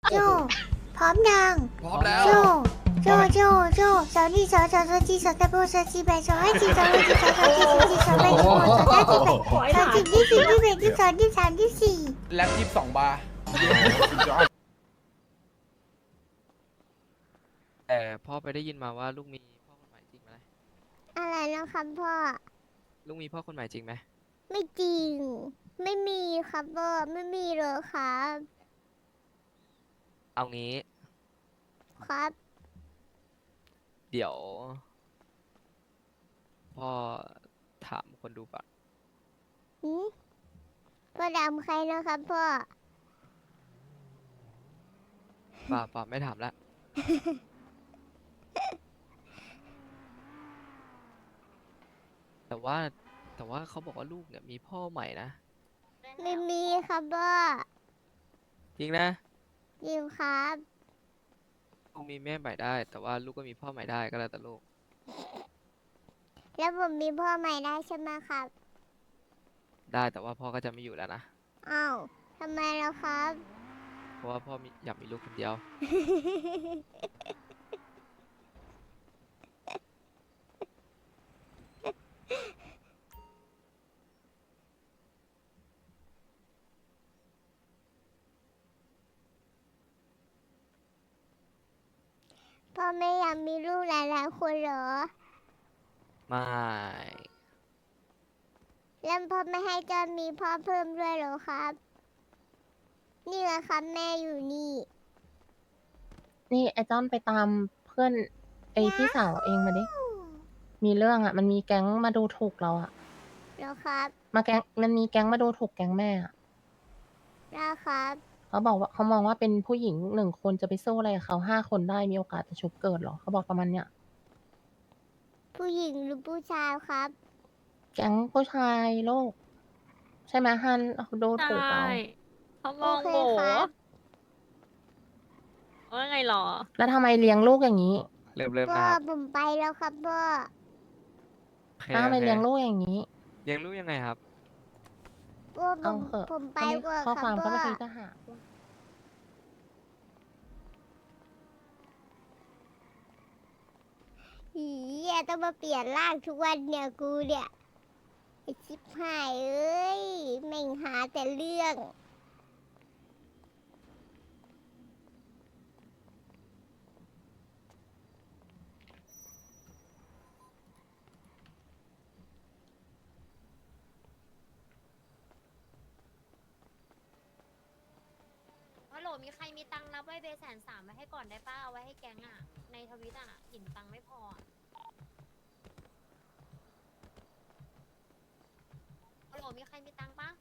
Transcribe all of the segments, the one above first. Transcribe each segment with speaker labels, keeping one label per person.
Speaker 1: โจพร้อมยัง
Speaker 2: พร้อมแล้ว
Speaker 1: โจโจสาวนี่สาวจีสาวตะโบสาวจีแบสาวให้จีสาวให้จีสาวจีสาวจีสาวแบสาวสาวจีแบสาวจีที่สี่ที่แบที่สองที่สามที่สี่
Speaker 2: แล็บ22 บาร์
Speaker 3: แต่พ่อไปได้ยินมาว่าลูกมีพ่อคนใหม่จริงไหม
Speaker 1: อะไรนะครับพ่อ
Speaker 3: ลูกมีพ่อคนใหม่จริงไหม
Speaker 1: ไม่จริงไม่มีครับพ่อไม่มีเลยครับ
Speaker 3: เอางี้
Speaker 1: ครับ
Speaker 3: เดี๋ยวพ่อถามคนดูก่อน
Speaker 1: พ่อดำใครนะครับพ่อ
Speaker 3: ป่าไม่ถามละ แต่ว่าเขาบอกว่าลูกเนี่ยมีพ่อใหม่นะ
Speaker 1: ไม่มีครับพ่อ
Speaker 3: จริงนะ
Speaker 1: จริงครับ
Speaker 3: ลูกมีแม่ใหม่ได้แต่ว่าลูกก็มีพ่อใหม่ได้ก็แล้วแต่ลูก
Speaker 1: แล้วผมมีพ่อใหม่ได้ใช่ไหมครับ
Speaker 3: ได้แต่ว่าพ่อก็จะไม่อยู่แล้วนะ
Speaker 1: อ้าวทำไมล่ะครับ
Speaker 3: เพราะว่าพ่ออยากมีลูกคนเดียว
Speaker 1: พ่อไม่อยากมีลูกหลายๆคนเหรอ
Speaker 3: ไม่
Speaker 1: แล้วพ่อไม่ให้จอนมีพ่อเพิ่มด้วยเหรอครับนี่ไงครับแม่อยู่นี่
Speaker 4: นี่ไอ้จ้อนไปตามเพื่อนไอ้พี่สาวเองมาดิ มีเรื่องอ่ะ มันมีแก๊งมาดูถูกเราอ่ะ
Speaker 1: แล้วครับ
Speaker 4: มันมีแก๊งมาดูถูกแก๊งแม่อ่ะ
Speaker 1: แล้วครับ
Speaker 4: เขาบอกว่าเขามองว่าเป็นผู้หญิง1 คนจะไปสู้อะไรกับเขา5 คนได้มีโอกาสจะชุบเกิดเหรอเขาบอกประมาณเนี้ย
Speaker 1: ผู้หญิงหรือผู้ชายครับ
Speaker 4: แก๊งผู้ชายโลก ใช่ไหมฮันเขาดูถูกเรา
Speaker 5: เขามองโบว่าไงหรอ
Speaker 4: แล้วทำไมเลี้ยงลูกอย่างนี้
Speaker 3: เริ่ม
Speaker 1: พ่อ
Speaker 3: นะครับ
Speaker 1: ผมไปแล้วครับพ่อ
Speaker 4: ทำไมเลี้ยงลูกอย่างนี้
Speaker 3: เลี้ยงลูกยังไงครับ
Speaker 1: พ่อผมไปก่อนครับพ่อ
Speaker 4: ข้อความก็ไม่เคยจะหา
Speaker 1: อีต้องมาเปลี่ยนร่างทุกวันเนี่ยกูเนี่ยไอชิบหายเอ้ยแม่งหาแต่เรื่อง
Speaker 6: ฮัลโหลมีใครมีตังค์รับไว้เบ130,000ไว้ให้ก่อนได้ป้าเอาไว้ให้แก๊งอ่ะในทวิตอ่ะหินตังค์ไม่พอฮัลโหลมีใครมีตังค์ปะ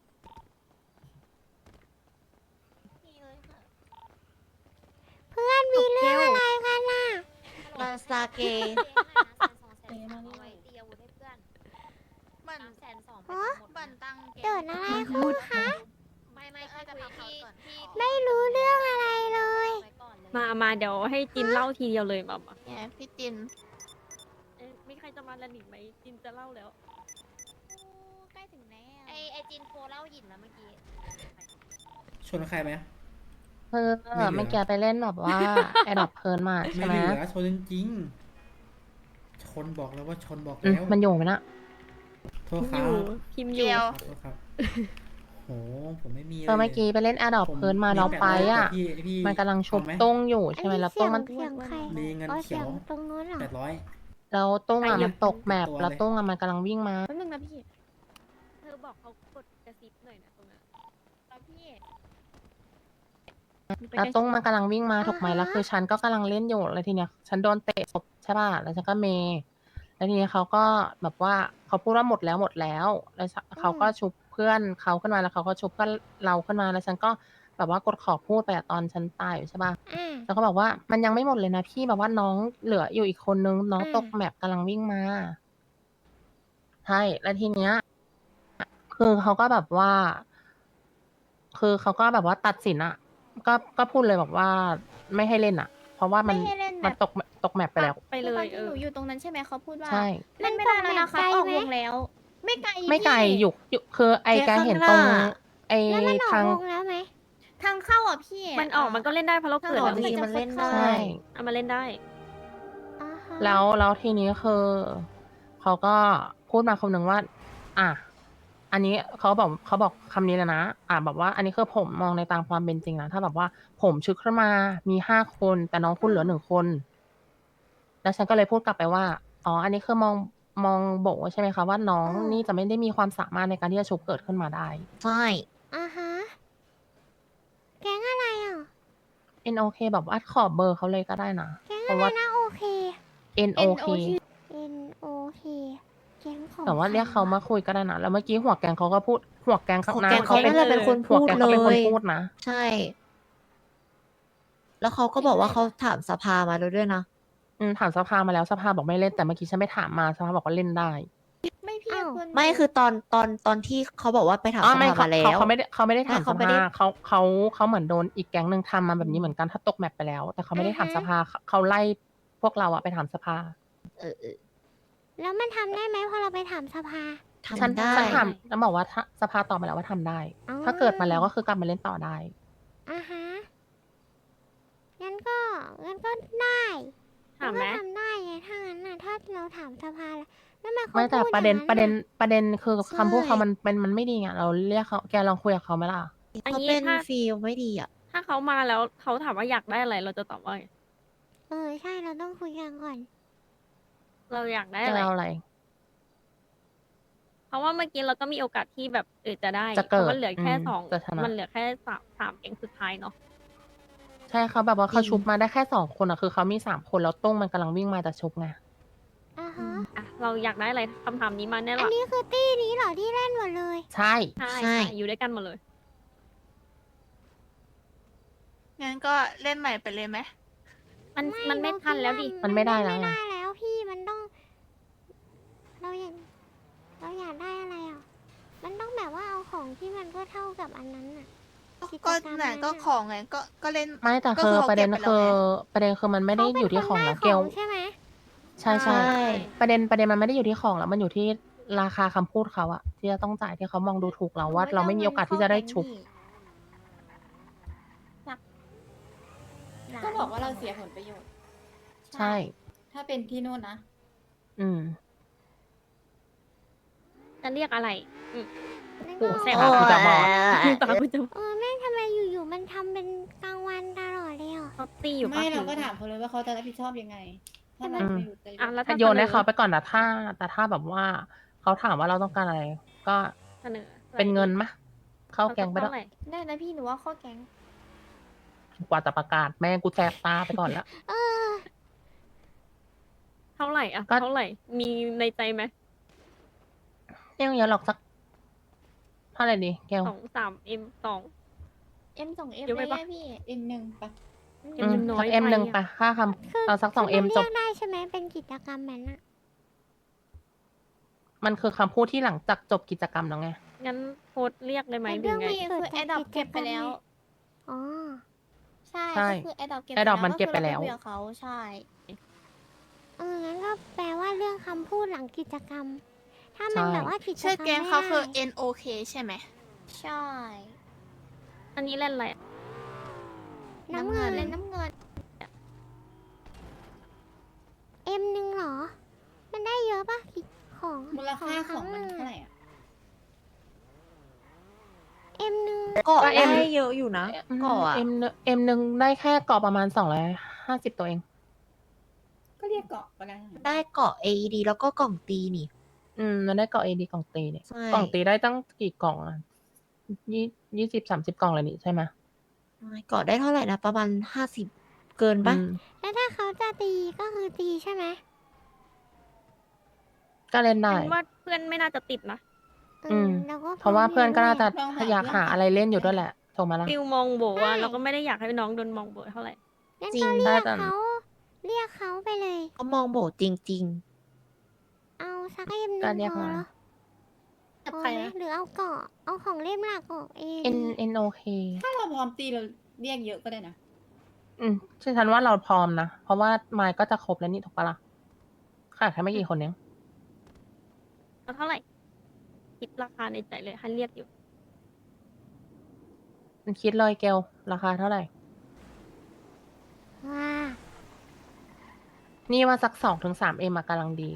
Speaker 6: มีเลยค่ะ
Speaker 1: เพื่อนมีเรื่องอะไรกันน่ะ
Speaker 6: มาซาเกเอาไว้ตีอาวุธให้เพื่อน320,000ไปหมดบันตัง
Speaker 1: เกิดอะไรขึ้นคะ
Speaker 6: ไม่แค่คุยที่
Speaker 1: ไม่รู้เรื่องอะไรเลย
Speaker 5: มาเดี๋ยวให้จินเล่าทีเดียวเลยมา
Speaker 6: เนี่ยพี่จิน
Speaker 5: มีใครจะมาละหนิงไหมจินจะเล่าแล้ว
Speaker 6: ใกล้ถึงแน่ไอจินโคเล่าหินแล้วเมื่อกี้
Speaker 2: ชนใครไหม
Speaker 4: เพื่อไม่แกไปเล่นแบบว่าไอ้ดอกเพลินมาใช่ไหม
Speaker 2: ไม่เหลือชนจริงชนบอกแล้วว่าชนบอกแล้ว
Speaker 4: มันอยู่ไหมนะ
Speaker 2: โทษครับ
Speaker 5: พิมพ์อยู่
Speaker 2: โทษครับโหผมไม่มี
Speaker 4: เมื่อกี้ไปเล่นแอร์ดรอปเพลินมาเราไปอ่ะมันกำลังชุบตุ้งอยู่ใช่ไหมแล้วตุ้งมัน
Speaker 2: มีเงินเขียว
Speaker 1: ตรงนู้นเหรอ
Speaker 2: 800
Speaker 4: แล้วตุ้งอ่ะมันตกแมปแล้วตุ้งอ่ะมันกำลังวิ่งมา
Speaker 5: แป๊บนึงนะพี่เธอบอกเขากดกระซิบหน่อยนะตรงนั้นพี่
Speaker 4: แล้วตุ้งมันกำลังวิ่งมาถูกไหมแล้วคือฉันก็กำลังเล่นอยู่แล้วทีเนี้ยฉันโดนเตะศพใช่ป่ะแล้วฉันก็เมแล้วทีนี้เขาก็แบบว่าเขาพูดว่าหมดแล้วแล้วเขาก็ชุบเพื่อนเขาขึ้นมาแล้วเขาก็ชุบเพื่อนเราขึ้นมาแล้วฉันก็แบบว่ากดขอพูดไปตอนฉันตายอยู่ใช่ป่ะแล้วก็บอกว่ามันยังไม่หมดเลยนะพี่แบบว่าน้องเหลืออยู่อีกคนนึงน้องตกแมปกำลังวิ่งมาใช่แล้วทีเนี้ยคือเขาก็แบบว่าตัดสินอะก็พูดเลยบอกว่าไม่ให้เล่นอะเพราะว่ามันตกแมปไปแล้ว
Speaker 5: ไปเลย
Speaker 7: หนูอยู่ตรงนั้นใช่ไหมเขาพูดว่า
Speaker 4: ใช่
Speaker 7: เล่นไม่ได้แล้วนะคะออกวงแล้ว ไม่ไกล
Speaker 4: อยู่คือไอแกเห็นตรงไอทาง
Speaker 7: ทางเข้าอ่ะพี่
Speaker 5: มันออกมันก็เล่นได้เพราะเราเกิด
Speaker 6: อ๋อ
Speaker 5: แล้ว
Speaker 6: ดี
Speaker 5: นี่
Speaker 6: มันเล่นได้
Speaker 4: ใช่
Speaker 5: เอามาเล่นได้
Speaker 1: อ่าฮะ
Speaker 4: แล้วทีนี้คือเขาก็พูดมาคำหนึ่งว่า อ่ะอันนี้เขาบอกคำนี้เลยนะแบบว่า อันนี้คือผมมองในตามความเป็นจริงนะถ้าแบบว่าผมชึกขึ้นมามี5 คนแต่น้องคุณเหลือ1 คนแล้วฉันก็เลยพูดกลับไปว่าอ๋ออันนี้คือมองบอกใช่ไหมคะว่าน้องนี่จะไม่ได้มีความสามารถในการที่จะชุบเกิดขึ้นมาได้
Speaker 6: ใช่
Speaker 1: อ่าฮะแก๊งอะไรอ่ะ
Speaker 4: NOK แบบว่าขอเบอร์เขาเลยก็ได้นะ
Speaker 1: แก๊ง
Speaker 4: เพ
Speaker 1: อะไร
Speaker 4: ราะว่า
Speaker 1: นะโอเค
Speaker 4: NOK
Speaker 1: N O K แก๊งของ
Speaker 4: แต่ว่าเรียกเขามาคุยก็ได้นะแล้วเมื่อกี้หัวแกงเขาก็พูดหัวแกง
Speaker 6: ของ
Speaker 4: นะ
Speaker 6: แกงเขาน่าจะเป็นคน
Speaker 4: หัว
Speaker 6: พูด
Speaker 4: แกง
Speaker 6: เล
Speaker 4: เขาเป็นคน
Speaker 6: ย
Speaker 4: พูดนะ
Speaker 6: ใช่ แล้วเขาก็บอกว่าเขาถามสภามาแล้วด้วยนะ
Speaker 4: ถามสภามาแล้วสภาบอกไม่เล่นแต่เมื่อกี้ฉันไปถามมาสภาบอกว่าเล่นได้
Speaker 7: ไม่พี่
Speaker 1: อ้าว
Speaker 7: คน
Speaker 6: ไม่คือตอนที่เขาบอกว่าไปถาม
Speaker 4: อ๋อ
Speaker 6: ส
Speaker 4: ไม่
Speaker 6: ภามาแล้ว
Speaker 4: เขาไม่ได้ถาม
Speaker 6: ใช่
Speaker 4: ส
Speaker 6: เขาไม่ได้
Speaker 4: ภาเขาเหมือนโดนอีกแก๊งหนึ่งทำมาแบบนี้เหมือนกันถ้าตกแมปไปแล้ว แต่เขาไม่ได้ถามสภาเขาไล่พวกเราอะไปถามสภา
Speaker 6: เออ
Speaker 1: แล้วมันทำได้ไหมพอเราไปถามสภา
Speaker 4: ฉัน
Speaker 6: ทำได้
Speaker 4: ถามแล้วบอกว่าถ้าสภาตอบมาแล้วว่าทำได้
Speaker 1: อ๋อ
Speaker 4: ถ้าเกิดมาแล้วก็คือกลับมาเล่นต่อได้
Speaker 1: อ่าฮะงั้นก็ได้
Speaker 5: ถามไหม
Speaker 1: นก็ทำได้ไงถ้างั้นน่ะถ้าเราถามสภาแล้วมันเขา
Speaker 4: ไม่แต่
Speaker 1: พู
Speaker 4: ประเด็น
Speaker 1: อย่าง
Speaker 4: ประเด็น
Speaker 1: น่ะ
Speaker 4: ประเด็นคือ
Speaker 6: ใช่
Speaker 4: คำพูดเขามันไม่ดีไงเราเรียกเขาแกลองคุยกับเขาไหมล่ะ
Speaker 5: อัน
Speaker 6: เขา
Speaker 5: นี้
Speaker 6: เป็น
Speaker 5: ถ้า
Speaker 6: ฟีลไม่ดีอ่ะ
Speaker 5: ถ้าเขามาแล้วเขาถามว่าอยากได้อะไรเราจะตอบว่าไง
Speaker 1: ใช่เราต้องคุยกันก่อน
Speaker 5: เราอยากได้
Speaker 4: จะ
Speaker 5: อะไร
Speaker 4: เอาอะไร
Speaker 5: เพราะว่าเมื่อกี้เราก็มีโอกาสที่แบบจะได้
Speaker 4: จะเกิด
Speaker 5: พรามันเหลือแค่
Speaker 4: อืม
Speaker 5: สอง
Speaker 4: จะชนะ
Speaker 5: มันเหลือแค่สามเกมสุดท้ายเนาะ
Speaker 4: ใช่เขาแบบว่าเขา
Speaker 6: จริง
Speaker 4: ชุบมาได้แค่2 คนอะคือเขามี3 คนแล้วตุ้งมันกำลังวิ่งมาจะชุบไง
Speaker 1: อ่าฮะ
Speaker 5: อ่ะเราอยากได้อะไรคำถามนี้มาแน่หร
Speaker 1: อัน
Speaker 5: อ
Speaker 1: นี้คือตี้นี้เหรอที่เล่นหมดเลย
Speaker 4: ใช่
Speaker 5: ใช่
Speaker 6: ใช่
Speaker 5: ใช่อยู่ด้วยกันหมดเลย
Speaker 8: งั้นก็เล่นใหม่ไปเลยไหม
Speaker 5: มันไม่ทันแล้วดิ
Speaker 4: มันไม่ได้แล้ว
Speaker 1: ไม่
Speaker 4: ไง
Speaker 1: ได้แล้วพี่มันต้อง เราอยากได้อะไรอ่ะ มันต้องแบบว่าเอาของที่มันก็เท่ากับอันนั้นน่ะ กิจ
Speaker 8: ก็
Speaker 1: กรรม
Speaker 8: ไหน
Speaker 1: นั้น
Speaker 8: ก็
Speaker 1: น่ะ
Speaker 8: ของไงก็เล่น
Speaker 4: ไม่แต่
Speaker 8: ก็
Speaker 4: คือ
Speaker 8: เขา
Speaker 4: ประเด็น
Speaker 8: ก็บไป
Speaker 4: คือ
Speaker 8: แล้วไง
Speaker 4: ประเด็นคือมันไม่ได้อยู่ที่ของแล้วเกล
Speaker 1: ใช่ไหม
Speaker 4: ใช่ใช่
Speaker 6: ใช่
Speaker 4: ประเด็นมันไม่ได้อยู่ที่ของแล้วมันอยู่ที่ราคาคำพูดเขาอะที่จะต้องจ่ายที่เขามองดูถูกเราว่าเราไม่มีโอกาสที่จะได้ชุบ
Speaker 7: ก็บอกว่าเราเสียผลประโยชน์
Speaker 4: ใช่
Speaker 7: ถ้าเป็นที่นู่นนะ
Speaker 4: อืม
Speaker 5: จะเรียกอะไร
Speaker 1: นั่น
Speaker 5: โอ้
Speaker 1: ก็
Speaker 5: แสบ
Speaker 6: โอ้
Speaker 5: ตา
Speaker 6: ย
Speaker 5: จะบอกตากูจะ
Speaker 1: แม่งทำไมอยู่ๆมันทำเป็นกลางวันตลอดเลยอ่ะ
Speaker 5: เขาตีอยู่ปะ
Speaker 7: ไม่เราก็ถามเขาเลยว่าเขาจะรับผิดชอบยังไง ถ้าเราไม่อยู่ใจ
Speaker 5: อ่ะแล้วถ้า
Speaker 4: โยนให้
Speaker 5: สอ
Speaker 4: เขาไปก่อนแต่ถ้าแบบว่าเขาถามว่าเราต้องการอะไร ก็
Speaker 5: เสนอ
Speaker 4: เป็นเงินมะเข้าแกงไป
Speaker 5: เท่า
Speaker 4: แล้ว
Speaker 5: ไหร่
Speaker 7: ได้นะพี่หนูว่าข้อแก๊ง
Speaker 4: กว่าจะประกาศแม่งกูแสบตาไปก่อนแล้ว
Speaker 1: เออ
Speaker 5: เท่าไหร่อะ
Speaker 4: ก็
Speaker 5: เท่าไหร่ มีในใจไหม
Speaker 4: ไม่ต้องเยอะหรอกสักเท่าไหร่ดีแกว
Speaker 5: 2-3 M
Speaker 7: M2 M
Speaker 5: เดี๋ยวไป
Speaker 7: ได้
Speaker 5: ปะ
Speaker 7: ไงพี่ M1 ปะ
Speaker 5: M มันน้อย
Speaker 4: สักเอ็ม
Speaker 5: ไป
Speaker 4: หนึ่ง
Speaker 5: อะ
Speaker 4: ไปค่าคำเอาสัก2M
Speaker 1: คือ
Speaker 4: จ
Speaker 1: มัน
Speaker 4: บ
Speaker 1: เรียกได้ใช่ไหมเป็นกิจกรรมแบบนั้นอ่ะ
Speaker 4: มันคือคำพูดที่หลังจากจบกิจกรรมแล้วไง
Speaker 5: งั้นโพสต์เรียกเลยไหม
Speaker 1: เป็น
Speaker 5: หรื
Speaker 1: เรื่
Speaker 5: อ
Speaker 1: อง
Speaker 5: ไง
Speaker 7: พี่คือแอดดอปเก็บไปแล้ว
Speaker 1: อ๋อ
Speaker 7: ใช่
Speaker 4: ใช่
Speaker 7: ก็คือแอดดอปเก็บ
Speaker 4: Adopt มัน
Speaker 7: แล้ว
Speaker 4: เก็บไปแล้ว
Speaker 7: คือราคุยกับเขาใช่
Speaker 1: งั้นก็แปลว่าเรื่องคำพูดหลังกิจกรรม ถ้ามันแบบว่ากิจกรรม
Speaker 8: ชื่อเกมเขาคือ
Speaker 1: ไม่ได้
Speaker 8: NOK ใช่ไหม
Speaker 7: ใช่
Speaker 5: อันนี้เล่นอะไรอะ
Speaker 1: น้ำเงิน
Speaker 7: เล่นน้ำเงิน
Speaker 1: M1เหรอ มันได้เยอะปะกิจของ
Speaker 7: มูลค่าของมัน
Speaker 1: รั้
Speaker 7: เท่าไหร่อ่ะ
Speaker 1: M1
Speaker 6: ก็
Speaker 4: ก็ M
Speaker 6: ได้เยอะอยู่นะก็อ่ะ
Speaker 4: M หนึ่งได้แค่เกาะประมาณ250ตัวเอง
Speaker 7: ก็เรียกเกาะก็ได้
Speaker 6: ได้เกาะ AED แล้วก็กล่องตีนี่
Speaker 4: มันได้เกาะ AD กล่องตีเนี่ย
Speaker 6: ใช่
Speaker 4: กล่องตีได้ตั้งกี่กล่องอะ20-30 กล่องเลยนี่ใช่ไหม
Speaker 6: เกาะได้เท่าไหร่นะประมาณ50 เกินปะ
Speaker 4: อืม
Speaker 1: แล้วถ้าเขาจะตีก็คือตีใช่ไหม
Speaker 4: ก็เล่นได้
Speaker 5: ฉันว่าเพื่อนไม่น่าจะติดนะ
Speaker 1: เราก็
Speaker 4: เพราะว่าเพื่อนก็น่าจะ
Speaker 7: ลองหา
Speaker 4: อยากหาอะไรเล่นอยู่ด้วยแหละถูกไหมล่ะ
Speaker 5: ฟิลมองโบว่าเราก็ไม่ได้อยากให้น้องโดนมองโบเท่าไหร่
Speaker 1: งั้น
Speaker 6: จริ
Speaker 1: ก็
Speaker 6: ง
Speaker 1: เรียก
Speaker 4: ได้แต่
Speaker 1: เขาเรียกเขาไปเลย
Speaker 6: เขามองโบจริง
Speaker 1: เอาสัก M1
Speaker 4: ก็เรียก
Speaker 1: พอ
Speaker 4: มา
Speaker 1: เหรอ
Speaker 7: กับ
Speaker 1: พอ
Speaker 7: ใคร
Speaker 1: ไหม
Speaker 7: นะ
Speaker 1: หรือเอาเกาะเอาของเล่มหลักออกเอง
Speaker 4: NOK
Speaker 7: ถ้าเราพร้อมตีเราเรียกเยอะก็ได้นะ
Speaker 4: ฉันว่าเราพร้อมนะ เพราะว่าไมค์ก็จะครบแล้วนี่ถูกปะล่ะขาดแค่ไม่กี่คนเอง
Speaker 5: เอาเท่าไหร่ คิดราคาในใจเลยให้เรียกอยู่
Speaker 4: คิดเลยเกลราคาเท่าไหร่
Speaker 1: ว่า
Speaker 4: นี่ว่าสัก2 ถึง 3 เอ็มกำลังดี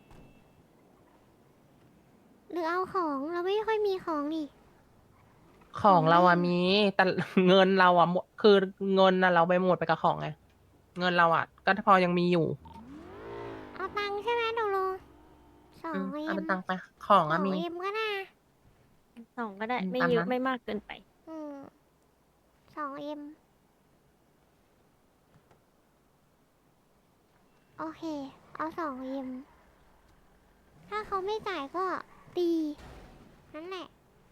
Speaker 1: หรือเอาของเราไม่ค่อยมีของนี่
Speaker 4: ของเราอะมีแต่ เงินเราอะหมดคือเงินอะเราไปหมดไปกับของไงเงินเราอะก็พอยังมีอยู่
Speaker 1: เอาตังค์ใช่ไหมตกลงสอง
Speaker 4: เอา
Speaker 1: เอ็ม
Speaker 4: เป็นตังค์ไปของ
Speaker 1: ส
Speaker 4: อะ
Speaker 1: อง
Speaker 4: มี
Speaker 1: เอ็มก็น่า
Speaker 5: 2ก็ได้
Speaker 4: อืม
Speaker 5: ไม่
Speaker 4: ตาม
Speaker 5: เย
Speaker 4: นั้
Speaker 5: อะ
Speaker 4: น
Speaker 5: ไม่มากเกินไป
Speaker 1: อืม2 เอ็มโอเค เอา2 เอ็มถ้าเขาไม่จ่ายก็ตีนั่นแหละ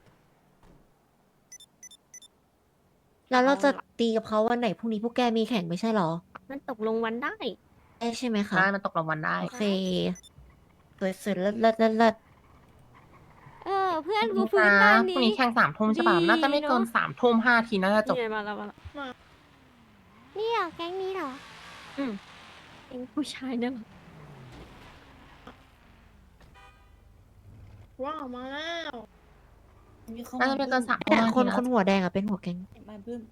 Speaker 6: แล้วเราจะตีกับเขาวันไหนพรุ่งนี้พวกแกมีแข่งไม่ใช่หรอ
Speaker 5: มันตกลงวันได้
Speaker 6: ได้ใช่ไหมคะ
Speaker 4: ได้มันตกรางวัลได้
Speaker 6: โอเคสวยๆเลิศ
Speaker 5: เพื่อนกู
Speaker 4: พ
Speaker 5: ฟื้นตอน
Speaker 4: รุ่ง
Speaker 5: นี้
Speaker 4: นี้แข่ง3 ทุ่มใช่ป่ะ
Speaker 5: ดี
Speaker 4: น่าจะไม่เกิน
Speaker 5: เนอะ
Speaker 4: 3 ทุ่ม 5 ทีน่าจะจบ
Speaker 5: นี่ไงมาแล้วมาแล้ว
Speaker 1: นี่เหรอแก๊งนี้เหรอ
Speaker 5: เองผู้ชายเนี่ยเหรอ
Speaker 7: ว้าวมาแล้วมีเข้า
Speaker 4: น่า
Speaker 7: มา
Speaker 4: จะไม่เกิน
Speaker 7: พิ่
Speaker 4: 3 ทุ่ม
Speaker 6: แต่
Speaker 4: 5
Speaker 6: คน
Speaker 4: ทีนะ
Speaker 6: คนหัวแดงอะเป็นหัวแก๊ง
Speaker 7: มาเพิ่ม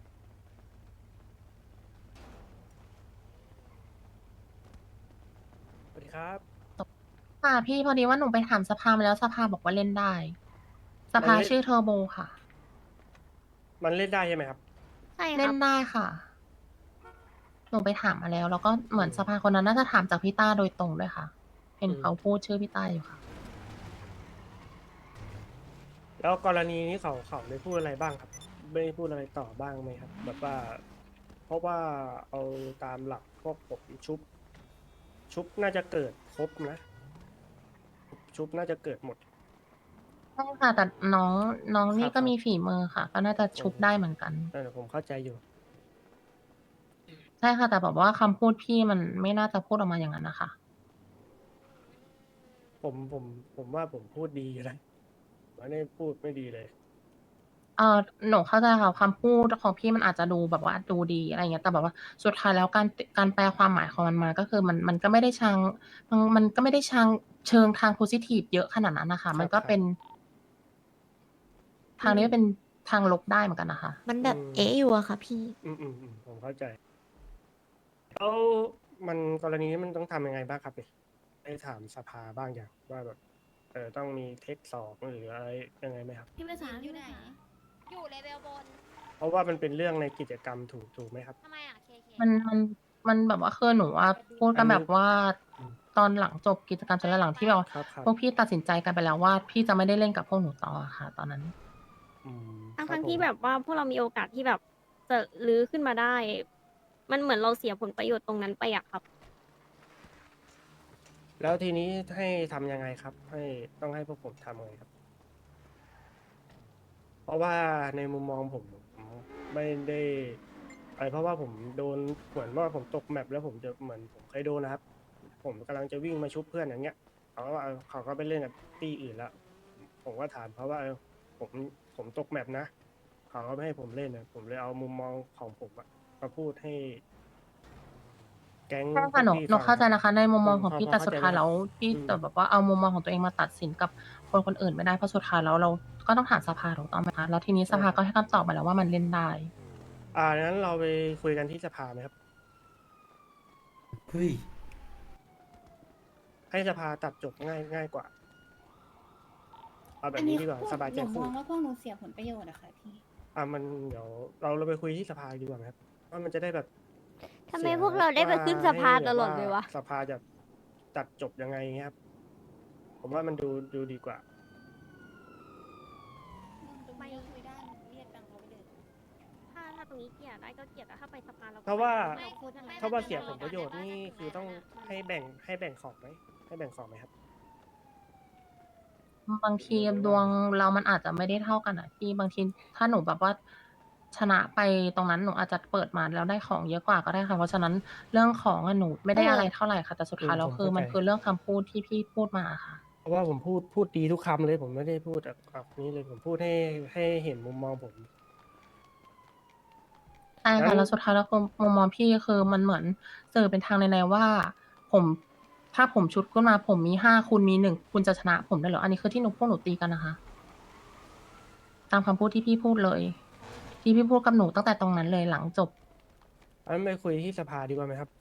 Speaker 9: สวัสดีครับ
Speaker 4: ค่ะพี่พอดีว่าหนูไปถามสภามาแล้วสภาบอกว่าเล่นได้ สภา
Speaker 9: มันเล่น
Speaker 4: ชื่อเทอร์โบค่ะ
Speaker 9: มันเล่นได้ใช่ไหมครับ
Speaker 1: ใช่ค
Speaker 4: เล่
Speaker 1: รับ
Speaker 4: นได้ค่ะ หนูไปถามมาแล้ว แล้วก็เหมือนสภาคนนั้นน่าจะถามจากพี่ต้าโดยตรงด้วยค่ะ เห็น
Speaker 9: อืม
Speaker 4: เขาพูดชื่อพี่ต้าอยู่ค่ะ
Speaker 9: แล้วกรณีนี้เขาได้พูดอะไรบ้างครับ ไม่ได้พูดอะไรต่อบ้างไหมครับ แบบว่า เพราะว่าเอาตามหลักพวกผมชุบน่าจะเกิดครบนะ ชุบน่าจะเกิดหมด
Speaker 4: ใช่ค่ะ แต่น้องนี่
Speaker 9: ครับ
Speaker 4: ก็มีฝีมือค่ะ ก็น่าจะชุบได้เหมือนกัน
Speaker 9: ผมเข้าใจอยู่
Speaker 4: ใช่ค่ะ แต่แบบว่าคำพูดพี่มันไม่น่าจะพูดออกมาอย่างนั้นนะคะ
Speaker 9: ผมว่าผมพูดดีอยู่แล้วไม่ได้พูดไม่ดีเลย
Speaker 4: หนูเข้าใจค่ะคำพูดของพี่มันอาจจะดูแบบว่าดูดีอะไรเงี้ยแต่แบบว่าสุดท้ายแล้วการแปลความหมายของมันมาก็คือมันก็ไม่ได้มันก็ไม่ได้เชิงทางโพซิทีฟเยอะขนาดนั้นนะคะ มันก็เป็น ทางนี้เป็นทางลบได้เหมือนกันนะคะ
Speaker 6: มันแบบ
Speaker 9: อืม
Speaker 6: เอ๊ะอยู่อะค่ะพี่
Speaker 9: ผมเข้าใจ แล้วมันกรณีนี้มันต้องทำยังไงบ้างครับเนี่ยได้ถามสภาบ้างอย่างว่าแบบต้องมีเทคสองหรืออะไรยังไงไหมครับ
Speaker 7: พี่ภาษาอยู่ไหน
Speaker 6: อยู่เลเวลบน
Speaker 9: เพราะว่ามันเป็นเรื่องในกิจกรรมถูกไหมครับ
Speaker 6: ทำไมอะเค
Speaker 4: มันแบบว่าคือหนูว่าพูดกันแบบว่า
Speaker 9: อืม
Speaker 4: ตอนหลังจบกิจกรรมจนหลังที่แบบว่า
Speaker 9: ครับ
Speaker 4: พวกพี่ตัดสินใจกันไปแล้วว่าพี่จะไม่ได้เล่นกับพวกหนูต่อค่ะ ตอนนั้น
Speaker 9: อืม
Speaker 5: ทั้ง
Speaker 9: ผม
Speaker 5: ที่แบบว่าพวกเรามีโอกาสที่แบบจะลื้อขึ้นมาได้ มันเหมือนเราเสียผลประโยชน์ตรงนั้นไปอะครับ
Speaker 9: แล้วทีนี้ให้ทำยังไงครับ ต้องให้พวกผมทำไงครับ เพราะว่าในมุมมองผมไม่ได้เพราะว่าผมโดนเหมือนว่าผมตกแมปแล้วผมจะเหมือนผมเคยโดนนะครับ ผมกำลังจะวิ่งมาชุบเพื่อนอย่างเงี้ยเขาก็ว่าเขาก็ไปเล่นกับตี้อื่นแล้วผมก็ถามเขาว่าผมตกแมปนะเขาก็ไม่ให้ผมเล่นนะผมเลยเอามุมมองของผมอะมาพูดให้ แก๊ง
Speaker 4: ใช่ค่ะหนู
Speaker 9: พี่
Speaker 4: หนู
Speaker 9: ฟัง
Speaker 4: เข้าใจ
Speaker 9: รับ
Speaker 4: นะคะ ในมุมมองของ
Speaker 9: พอ
Speaker 4: พี่
Speaker 9: พอ
Speaker 4: แต่
Speaker 9: เข้า
Speaker 4: สุด
Speaker 9: ใจ
Speaker 4: ท้าย
Speaker 9: ไหม
Speaker 4: แล้วพี่
Speaker 9: อืม
Speaker 4: แต่แบบว่าเอามุมมองของตัวเองมาตัดสินกับคนอื่นไม่ได้เพราะสุดท้ายแล้วเราก็ต้องถามสภาถูกต้องไหมคะแล้วทีนี้สภาก็ให้คำตอบมาแล้วว่ามันเล่นได้
Speaker 9: งั้นเราไปคุยกันที่สภาไหมครับ
Speaker 2: เฮ้ย
Speaker 9: ให้สภาตัดจบง่ายกว่า เอาแบ
Speaker 7: อั
Speaker 9: บ
Speaker 7: น
Speaker 9: นี้
Speaker 7: นี้
Speaker 9: ดีกว่า
Speaker 7: พวก
Speaker 9: สบาย
Speaker 7: ห
Speaker 9: ใจ
Speaker 7: นูม
Speaker 9: ขึ้
Speaker 7: อน งว่าพวกหนูเสียผลประโยชน์อะค่ะพี่
Speaker 9: มันเดี๋ยวเราไปคุยที่สภาดีกว่าไหมครับว่ามันจะได้แบบ
Speaker 5: ทำไม
Speaker 9: สีย
Speaker 5: พวกเราได้ไปขึ้นสภา
Speaker 9: ให้แบบ
Speaker 5: ตลอดเลยวะ
Speaker 9: สภาจะตัดจบยังไงเงี้ยครับ ผมว่ามันดูดีกว่า
Speaker 7: ไม่คุยได้เรียกตังค์เขาไปเลย
Speaker 5: ถ้าตรงนี้เกลียดได้ก็เกลียดแต่ถ้าไปสภาเราก็
Speaker 9: เพราะว่า
Speaker 5: ไม่พูด
Speaker 9: ถ้าว่าเสียผลประโยชน์นี่คือต้องให้แบ่งของไหมให้แบ่งของไหมครับ
Speaker 4: บางทีดวงเรามันอาจจะไม่ได้เท่ากันอ่ะพี่บางทีถ้าหนูแบบว่าชนะไปตรงนั้นหนูอาจจะเปิดมาแล้วได้ของเยอะกว่าก็ได้ค่ะเพราะฉะนั้นเรื่องของอะหนูไม่ได้อะไรเท่าไหร่ค่ะแต่สุดท้ายแล้ว
Speaker 9: ผม
Speaker 4: คือ
Speaker 9: เข้าใจ
Speaker 4: มันคือเรื่องคำพูดที่พี่พูดมาค่ะ
Speaker 9: เพราะว่าผมพูดดีทุกคำเลย ผมไม่ได้พูดแบบนี้เลยผมพูดให้เห็นมุมมองผม
Speaker 4: ใช่ค่ะ
Speaker 9: งั้น
Speaker 4: แล้วสุดท้ายแล้วคือมุมมองพี่คือมันเหมือนสื่อเป็นทางในๆว่า ผมถ้าผมชุดขึ้นมาผมมี5คุณมี1คุณจะชนะผมได้เหรออันนี้คือที่พวกหนูตีกันนะคะ ตามคำพูดที่พี่พูดเลยที่พี่พูดกับหนูตั้งแต่ตรงนั้นเลยหลังจบ
Speaker 9: อันไปคุยที่สภาดีกว่าไหมครับ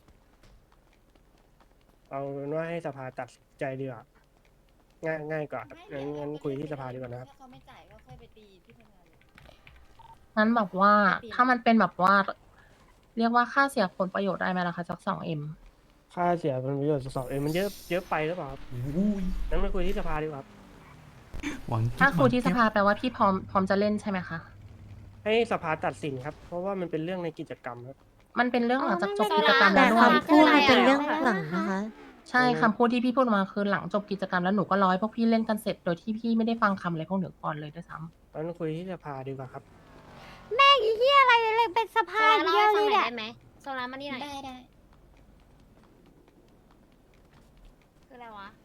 Speaker 9: เอาเป็นว่าให้สภาตัดสินใจดีกว่าง่ายกว่าครับงั้นคุยที่สภาดีกว่านะครับ
Speaker 7: ถ้าเขาไม่จ่ายก็ค่อยไปตีที่ทำงานเลย
Speaker 4: งั้นแบบว่าถ้ามันเป็นแบบว่า เรียกว่าค่าเสียผลประโยชน์ได้ไหมล่ะคะจาก2M
Speaker 9: ค่าเสียผลประโยชน์มันเยอะไปหรือเปล่าครับ
Speaker 2: อุ้ย
Speaker 9: งั้นไปคุยที่สภาดีกว่าครับ
Speaker 2: หวัง
Speaker 4: ถ้าคุยที่สภาแปลว่าพี่พร้อมจะเล่นใช่ไหมคะ
Speaker 9: ให้สภาตัดสินครับ เพราะว่ามันเป็นเรื่องในกิจกรรมครับ
Speaker 4: มันเป็นเรื่องหลังจากจบ
Speaker 5: อ๋อ
Speaker 4: กิจกรรม
Speaker 5: แต่
Speaker 4: แล้วด้วย
Speaker 5: คำพูดมันเป็นเรื่องหลัง
Speaker 1: นะคะ
Speaker 4: ใช่คำพูดที่พี่พูดมาคือหลังจบกิจกรรมแล้วหนูก็ร้อยพวกพี่เล่นกันเสร็จโดยที่พี่ไม่ได้ฟังคำอะไรพวกหนูก่อนเลยด้วยซ้ำ
Speaker 9: งั้นคุยที่สภาดีกว่าครับ
Speaker 1: แม่งไอ้เหี้ยอะไรเลยเป็นส
Speaker 6: โซ
Speaker 1: ภา
Speaker 6: ลา
Speaker 1: เดี
Speaker 6: เล่า
Speaker 1: ยว
Speaker 6: ให้
Speaker 1: เล
Speaker 6: ฟัง
Speaker 1: ย
Speaker 6: หน่อย
Speaker 1: เนี่ย
Speaker 6: ได้ไหมโซลามานี่หน่อย
Speaker 7: ได้
Speaker 6: คืออะไรวะ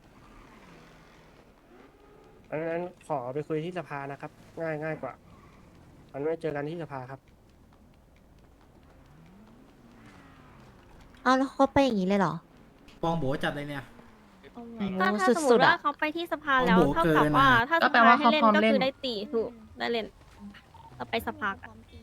Speaker 9: งั้นขอไปคุยที่สภานะครับ ง่ายกว่างั้นไว้เจอกันที่สภาครับ
Speaker 1: เอาแล้วเขาไปอย่างนี้เลยเหรอ
Speaker 2: ปองโบจัดเลยเนี่ย
Speaker 5: ก็ถ้าสมมติว่าเขาไปที่สภาแล้ว
Speaker 2: โอ้โห
Speaker 5: เท่ากับว่า
Speaker 2: เกินอะ
Speaker 5: ถ้า
Speaker 4: ก็
Speaker 5: ส
Speaker 4: แปล
Speaker 5: ภา
Speaker 4: ว่า
Speaker 5: ให้
Speaker 4: เขา
Speaker 5: เล่น
Speaker 4: พร้อม
Speaker 5: ก็
Speaker 4: เล่น
Speaker 5: คือได้ตีถูกได้เล่นเราไปสภากัน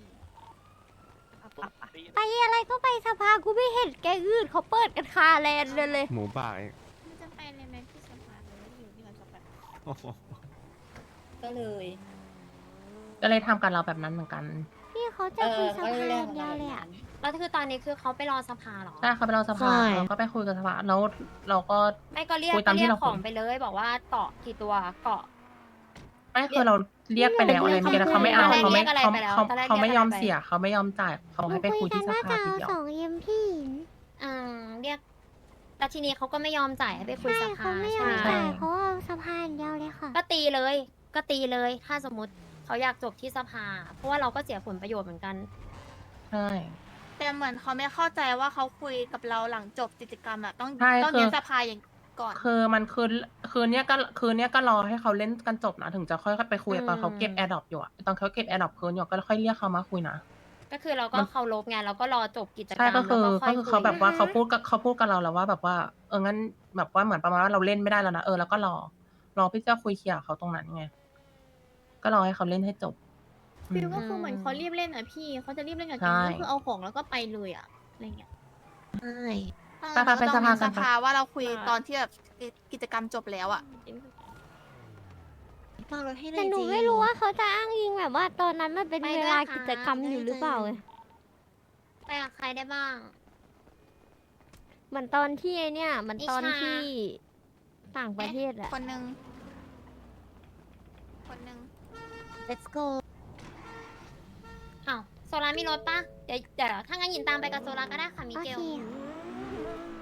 Speaker 1: ไปอะไรก็ไปสภากูไม่เห็นแกอื่นเขาเปิดกันคาแลนเลย
Speaker 10: หมูป่าเอง
Speaker 6: จะไปเลยไหมพี่สภาเลยอยู่ที่มันสภา
Speaker 10: โอ้โห
Speaker 7: ก็เลย
Speaker 4: ก็เลยทำกับเราแบบนั้นเหมือนกัน
Speaker 1: พี่เขาจะคุยสภาอย่างเดียวเลยอ่ะ
Speaker 6: แล้วคือตอนนี้คือเขาไปรอสภาเหรอ
Speaker 4: ใช่เขาไปเราสภา
Speaker 1: ใช่
Speaker 4: เราก็ไปคุยกับสภาแล้วเราก็
Speaker 6: ไม่ก็เรียก
Speaker 4: คุยตามที่เรา
Speaker 6: ของ
Speaker 4: คุย
Speaker 6: ไปเลยบอกว่าเกาะกี่ตัวเกาะ
Speaker 4: ไม่คือเราเรียกไปแล้วอะไรเมื่อกี้แล้วเขาไม่เอา
Speaker 6: ตอนแรก
Speaker 4: เขาไม่
Speaker 6: เรียกอะไร
Speaker 4: เขา
Speaker 6: ไปแล้ว
Speaker 4: เขา
Speaker 6: ตอนแรก
Speaker 4: เขาไม่
Speaker 6: เรียก
Speaker 4: ยอม
Speaker 6: อะไรไป
Speaker 4: เสียเขาไม่ยอมจ่ายเขาให้ไปคุยที่ส
Speaker 1: น่า
Speaker 4: ภา
Speaker 1: จะ
Speaker 4: ที
Speaker 1: เอา
Speaker 4: เดียว
Speaker 1: 2M พี่
Speaker 6: เรียกแต่ทีนี้เขาก็ไม่ยอมจ่ายให้ไปคุย
Speaker 1: ใช่
Speaker 6: ส
Speaker 1: เขา
Speaker 6: ภา
Speaker 1: ไม่ยอ
Speaker 6: ใช่
Speaker 1: ม
Speaker 6: ไหม
Speaker 1: จ่ายเขาเอาสภาอย่างเดียวเลยค่ะ
Speaker 6: ก็ตีเลย ก็ตีเลย ถ้าสมมติเขาอยากจบที่สภา เพราะว่าเราก็เสียผลประโยชน์เหมือนกัน
Speaker 4: ใช่
Speaker 8: แต่เหมือนเขาไม่เข้าใจว่าเขาคุยกับเราหลังจบกิจกรรมอะต้อง
Speaker 4: ใช่
Speaker 8: ต้อง
Speaker 4: คือ
Speaker 8: เรียนสภาอย่างก่อน
Speaker 4: คือมันคืนเนี้ยก็รอให้เขาเล่นกันจบนะถึงจะค่อยไปคุยตอนเขาเก็บแอร์ดรอปอยู่อะตอนเขาเก็บแอร์ดรอปคืนอยู่ก็ค่อยเรียกเขามาคุยนะ
Speaker 6: ก็คือเราก็เคารพไงเราก็รอจบกิจกรรม
Speaker 4: ใช่ก็คือ
Speaker 6: แล้วค่
Speaker 4: ก็
Speaker 6: อย
Speaker 4: คือเขาแบบว่าเขาพูดกับเราแล้วว่าแบบว่างั้นแบบว่าเหมือนประมาณว่าเราเล่นไม่ได้แล้วนะแล้วก็รอพี่เจ้าคุยเคลียร์กับเขาตรงนั้นไงก็รอให้เขาเล่นให้จบ
Speaker 5: ฟิลก็คือเหมือนเขารีบเล่นอ่ะพี่เขาจะรีบเล่นกับ
Speaker 4: ใช่
Speaker 5: แกงก็คือเอาของแล้วก็ไปเลยอ่ะอะไรเงี้ย
Speaker 1: ใช่
Speaker 4: ไปๆเป็นสภากัน
Speaker 8: สภาว่าเราคุยตอนที่แบบกิจกรรมจบแล้วอะ
Speaker 7: ฟังรถให้หน่
Speaker 1: แต่
Speaker 7: อย
Speaker 1: หนู
Speaker 7: จี
Speaker 1: ไม่รู้ว่าเขาจะอ้างอิงแบบว่าตอนนั้นมันเป็นเวลากิจกรรมอยู่หรือเปล่าไง
Speaker 6: ไปกับใครได้บ้าง
Speaker 1: เหมือนตอนที่ไอเนี่ยเหมือนตอน
Speaker 6: นิชา
Speaker 1: ที่ต่างประเทศอะ
Speaker 8: คนหนึ่ง
Speaker 1: let's go
Speaker 6: อ้าวโซลามีรถปะเดี๋ยวถ้างั้นหยินตามไปกับโซลาก็ได้ค่ะมิ
Speaker 1: โอ
Speaker 6: เก
Speaker 1: เค
Speaker 6: ล